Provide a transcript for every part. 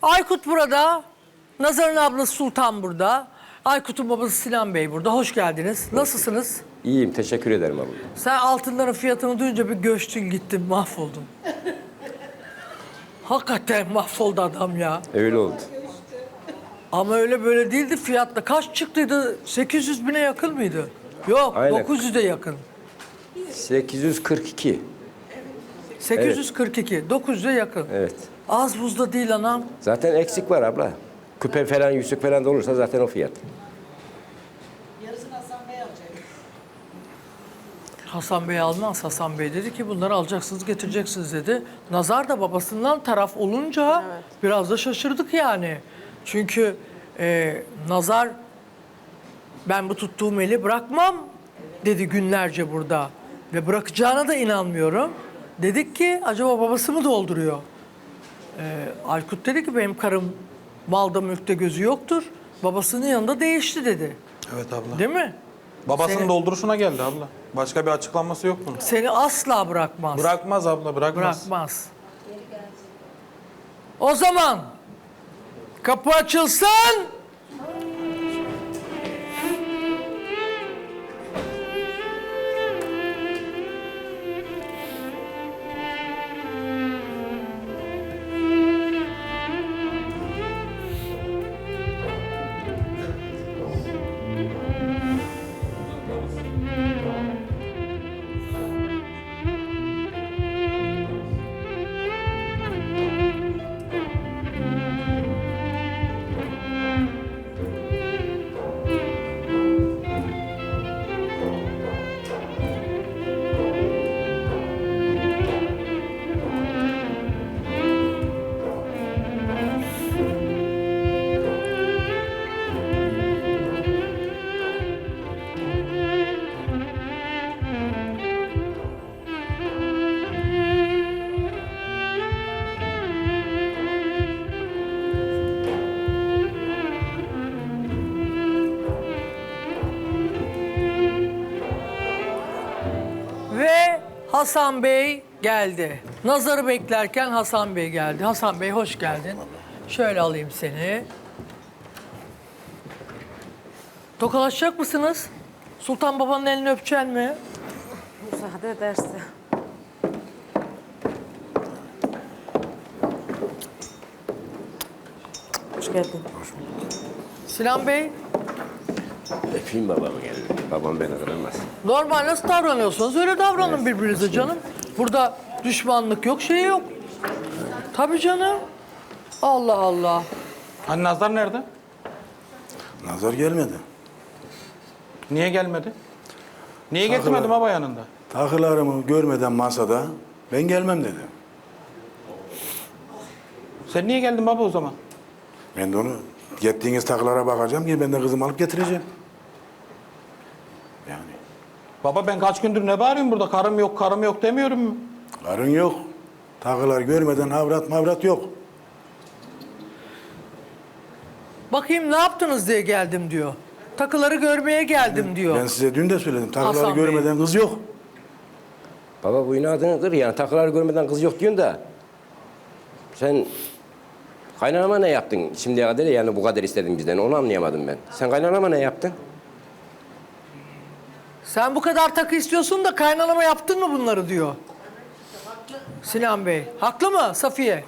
Aykut burada. Nazar'ın ablası Sultan burada. Aykut'un babası Sinan Bey burada. Hoş geldiniz. Nasılsınız? İyiyim, teşekkür ederim abla. Sen altınların fiyatını duyunca bir göçtün gittin, mahvoldun. Hakikaten mahvoldu adam ya. Öyle oldu. Ama öyle böyle değildi fiyatla. Kaç çıktıydı? 800 bine yakın mıydı? Yok, Aynen. 900'e yakın. 842. 842, 900'e yakın. Evet. Az buzda değil anam. Zaten eksik var abla. Küpe falan, yüzük falan da olursa zaten o fiyat. Yarısını Hasan Bey alacak. Hasan Bey almaz. Hasan Bey dedi ki bunları alacaksınız, getireceksiniz dedi. Nazar da babasından taraf olunca biraz da şaşırdık yani. Çünkü Nazar ben bu tuttuğum eli bırakmam dedi günlerce burada. Ve bırakacağına da inanmıyorum. Dedik ki acaba babası mı dolduruyor? Aykut dedi ki benim karım malda mülkte gözü yoktur. Babasının yanında değişti dedi. Evet abla. Değil mi? Babasının Seni- dolduruşuna geldi abla. Başka bir açıklaması yok bunun. Seni asla bırakmaz. Bırakmaz abla, bırakmaz. Bırakmaz. O zaman kapı açılsın. Ve Hasan Bey geldi. Nazar'ı beklerken Hasan Bey geldi. Hasan Bey hoş geldin. Şöyle alayım seni. Tokalaşacak mısınız? Sultan babanın elini öpeceksin mi? Müsaade ederse. Hoş geldin. Sinan Bey, Öpeyim babamı geldi. Babam beni kıramaz. normal nasıl davranıyorsanız öyle davranın birbirinize canım. Burada düşmanlık yok, şey yok. Tabii canım. Allah Allah. Hani Nazar nerede? Nazar gelmedi. Niye gelmedi? Niye getirmedim baba yanında? Takılarımı görmeden masada ben gelmem dedi. Sen niye geldin baba o zaman? Ben de onu gittiğiniz takılara bakacağım ki ben de kızımı alıp getireceğim. Yani Baba ben kaç gündür ne bağırıyorum burada? Karım yok, karım yok demiyorum mu? karın yok. Takılar görmeden havrat mavrat yok. Bakayım ne yaptınız diye geldim diyor. Takıları görmeye geldim diyor. Ben size dün de söyledim. Takıları Hasan Bey. görmeden kız yok. Baba bu inadını kır yani. Takılar görmeden kız yok diyorsun da. Sen kaynanama ne yaptın şimdiye kadar yani bu kadar istedin bizden onu anlayamadım ben. Sen kaynanama ne yaptın? Sen bu kadar takı istiyorsun da kaynanama yaptın mı bunları diyor. Sinan Bey. Haklı mı Safiye?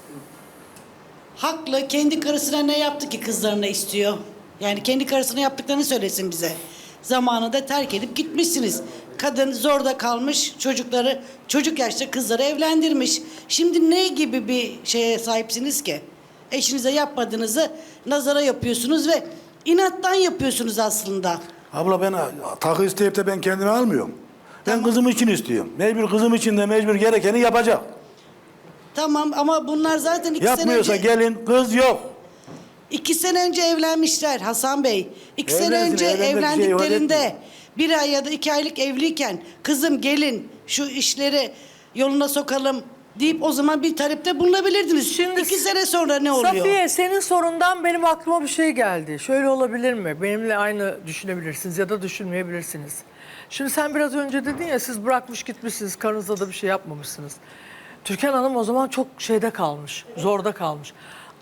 Haklı. Kendi karısına ne yaptı ki kızlarına istiyor? Yani kendi karısına yaptıklarını söylesin bize. Zamanında terk edip gitmişsiniz. Kadın zorda kalmış, çocukları, çocuk yaşta kızları evlendirmiş. Şimdi ne gibi bir şeye sahipsiniz ki? Eşinize yapmadığınızı nazara yapıyorsunuz ve inattan yapıyorsunuz aslında. Abla ben takı isteyip de ben kendime almıyorum. Ben kızım için istiyorum. Mecbur kızım için de mecbur gerekeni yapacak. Tamam ama bunlar zaten 2 sene Yapmıyorsa önce... gelin kız yok. 2 sene önce evlenmişler Hasan Bey. 2 sene Evlensin, önce evlenmek bir şey ifade evlendiklerinde etmiyor. 1 ay ya da 2 aylık evliyken kızım gelin şu işleri yoluna sokalım deyip o zaman bir talepte bulunabilirdiniz. Şimdi 2 sene sonra ne oluyor? Safiye senin sorundan benim aklıma bir şey geldi. Şöyle olabilir mi? Benimle aynı düşünebilirsiniz ya da düşünmeyebilirsiniz. Şimdi sen biraz önce dedin ya siz bırakmış gitmişsiniz, karınıza da bir şey yapmamışsınız. Türkan Hanım o zaman çok şeyde kalmış, zorda kalmış.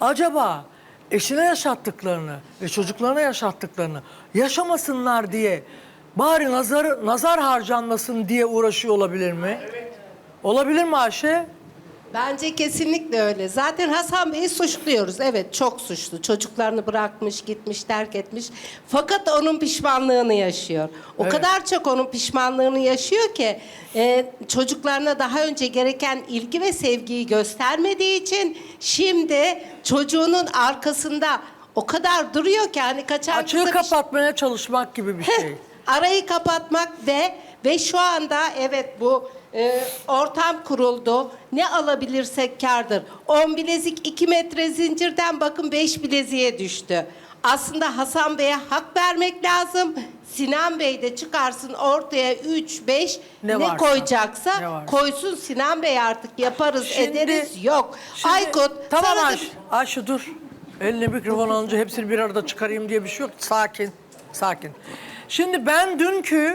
acaba eşine yaşattıklarını ve çocuklarına yaşattıklarını yaşamasınlar diye bari nazar harcanmasın diye uğraşıyor olabilir mi? Evet. Olabilir mi Ayşe? Bence kesinlikle öyle. Zaten Hasan Bey'i suçluyoruz. Evet, çok suçlu. Çocuklarını bırakmış, gitmiş, terk etmiş. Fakat onun pişmanlığını yaşıyor. O Evet. kadar çok onun pişmanlığını yaşıyor ki çocuklarına daha önce gereken ilgi ve sevgiyi göstermediği için şimdi çocuğunun arkasında o kadar duruyor ki hani kaçan Açığı kıza bir şey- kapatmaya çalışmak gibi bir şey. arayı kapatmak ve şu anda evet bu ortam kuruldu. Ne alabilirsek kârdır. 10 bilezik 2 metre zincirden bakın 5 bileziğe düştü. Aslında Hasan Bey'e hak vermek lazım. Sinan Bey de çıkarsın ortaya 3, 5 Ne ne varsa, koyacaksa ne varsa. koysun Sinan Bey artık yaparız ederiz yok. Şimdi- Aykut Tamam sana da- Ayşe. Ayşe dur. Eline mikrofon alınca hepsini bir arada çıkarayım diye bir şey yok. Sakin. Sakin. Şimdi ben dünkü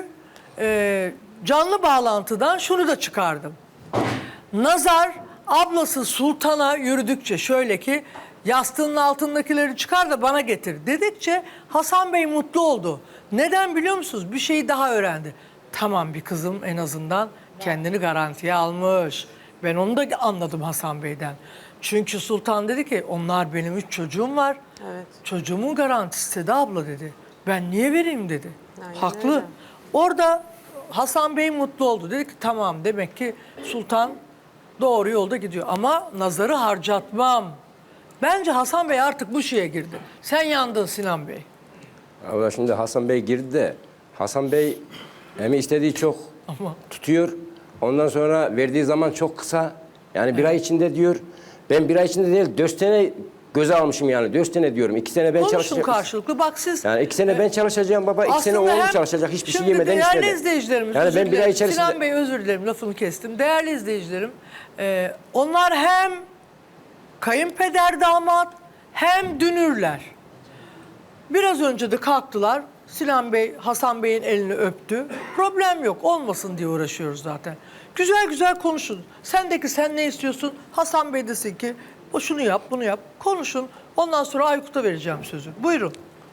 canlı bağlantıdan şunu da çıkardım. Nazar ablası Sultan'a yürüdükçe şöyle ki yastığının altındakileri çıkar da bana getir dedikçe Hasan Bey mutlu oldu. Neden biliyor musunuz? Bir şeyi daha öğrendi. Tamam bir kızım en azından kendini garantiye almış. Ben onu da anladım Hasan Bey'den. Çünkü Sultan dedi ki onlar benim 3 çocuğum var. Evet. Çocuğumun garantisi de abla dedi. Ben niye vereyim dedi. Aynen Haklı. öyle. Orada Hasan Bey mutlu oldu. Dedi ki tamam demek ki Sultan doğru yolda gidiyor. Ama nazarı harcatmam. Bence Hasan Bey artık bu şeye girdi. Sen yandın Sinan Bey. Abla şimdi Hasan Bey girdi de Hasan Bey hem istediği çok Ama tutuyor. Ondan sonra verdiği zaman çok kısa. Yani bir ay içinde diyor. Ben bir ay içinde değil 4 sene göze almışım yani. 4 sene diyorum. 2 sene ben konuşun çalışacağım. karşılıklı. Bak siz Yani 2 sene ben çalışacağım baba. 2 sene aslında oğlum hem- çalışacak. Hiçbir şey Şimdi yemeden değerli içmeden. izleyicilerimiz, Yani özür ben bir ay dilerim. içerisinde... Sinan Bey özür dilerim lafını kestim. Değerli izleyicilerim, onlar hem kayınpeder damat hem dünürler. Biraz önce de kalktılar. Sinan Bey, Hasan Bey'in elini öptü. Problem yok, olmasın diye uğraşıyoruz zaten. Güzel güzel konuşun. Sendeki sen ne istiyorsun? Hasan Bey desin ki, o şunu yap, bunu yap. Konuşun. Ondan sonra Aykut'a vereceğim sözü. Buyurun.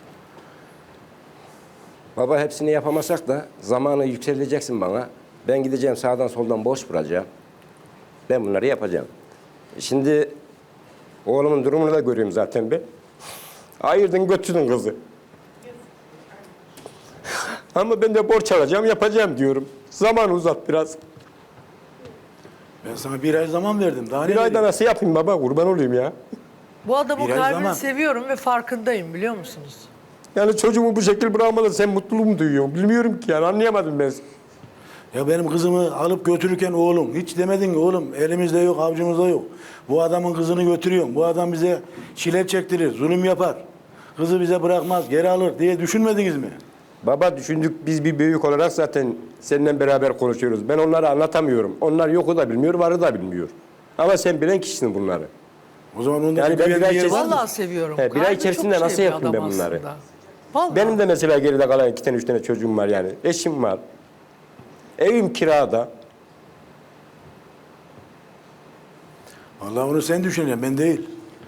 Baba hepsini yapamasak da zamanı yükseleceksin bana. Ben gideceğim sağdan soldan boş vuracağım. Ben bunları yapacağım. Şimdi oğlumun durumunu da görüyorum zaten ben. Ayırdın götürdün kızı. Ama ben de borç alacağım yapacağım diyorum. Zamanı uzat biraz. Ben sana bir ay zaman verdim. Daha ne Bir ayda vereyim? nasıl yapayım baba kurban olayım ya. Bu adamın Bir ay kalbini zaman. seviyorum ve farkındayım biliyor musunuz? Yani çocuğumu bu şekil bırakmadan sen mutluluğu mu duyuyorsun? Bilmiyorum ki yani anlayamadım ben. Ya benim kızımı alıp götürürken oğlum hiç demedin ki oğlum elimizde yok avcımızda yok. Bu adamın kızını götürüyorum. Bu adam bize çile çektirir, zulüm yapar. Kızı bize bırakmaz, geri alır diye düşünmediniz mi? Baba düşündük biz bir büyük olarak zaten seninle beraber konuşuyoruz. Ben onları anlatamıyorum. Onlar yoku da bilmiyor, varı da bilmiyor. Ama sen bilen kişisin bunları. O zaman onda Yani bir ben bir güvenli ay yer var mı? Vallahi seviyorum. He, bir ay Kalbi içerisinde çok nasıl şey bir yapayım adam ben bunları? aslında. Vallahi. Benim de mesela geride kalan 2 tane 3 tane çocuğum var yani. Eşim var. Evim kirada. Vallahi onu sen düşüneceksin, ben değil.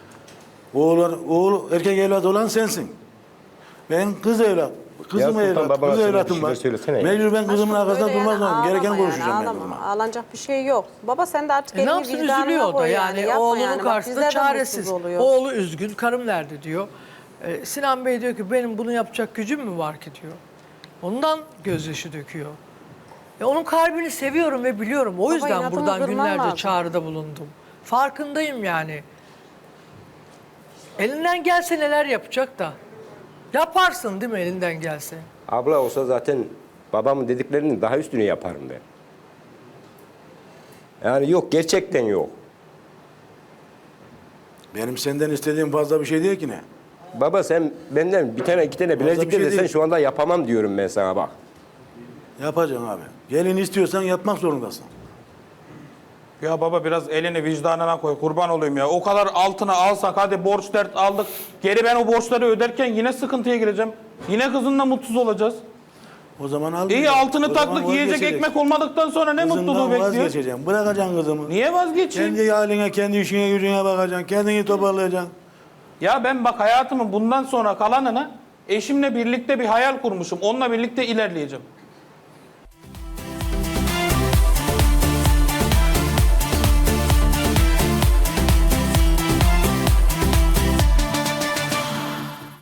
Oğul erkek evlat olan sensin. Ben kız evlat. Kızım Sultan, evlat, babana kız söyle, evlatım bir var. şey söylesene ya. Mecbur ben kızımın Aşkım, arkasında öyle durmaz lazım. Gereken ağlama konuşacağım ben ağlama. kızıma. Ağlanacak bir şey yok. Baba sen de artık Ne elini yapsın vicdanına üzülüyor o da koy yani. Yapma Oğlunun yani. Bak, karşısında bizler de çaresiz. mutsuz oluyor. Oğlu üzgün, karım nerede diyor. Sinan Bey diyor ki benim bunu yapacak gücüm mü var ki diyor. Ondan gözyaşı döküyor. Onun kalbini seviyorum ve biliyorum. O yüzden inatını buradan kırman günlerce lazım. çağrıda bulundum. Farkındayım yani. Elinden gelse neler yapacak da. Yaparsın değil mi elinden gelse? Abla olsa zaten babamın dediklerinin daha üstünü yaparım ben. Yani yok gerçekten yok. Benim senden istediğim fazla bir şey değil ki ne? Baba sen benden bir tane 2 tane bilezik bir şey de desen değil. şu anda yapamam diyorum ben sana bak. Yapacaksın abi. Gelin istiyorsan yapmak zorundasın. Ya baba biraz elini vicdanına koy kurban olayım ya. O kadar altına alsak hadi borç dert aldık. Geri ben o borçları öderken yine sıkıntıya gireceğim. Yine kızınla mutsuz olacağız. O zaman al. İyi altını O zaman taktık yiyecek vazgeçeceksin. ekmek olmadıktan sonra ne Kızından mutluluğu bekliyor? vazgeçeceksin. Bırakacaksın kızımı. Niye vazgeçeyim? Kendi haline, kendi işine, gücüne bakacaksın. Kendini toparlayacaksın. Ya ben bak hayatımın bundan sonra kalanını eşimle birlikte bir hayal kurmuşum. Onunla birlikte ilerleyeceğim.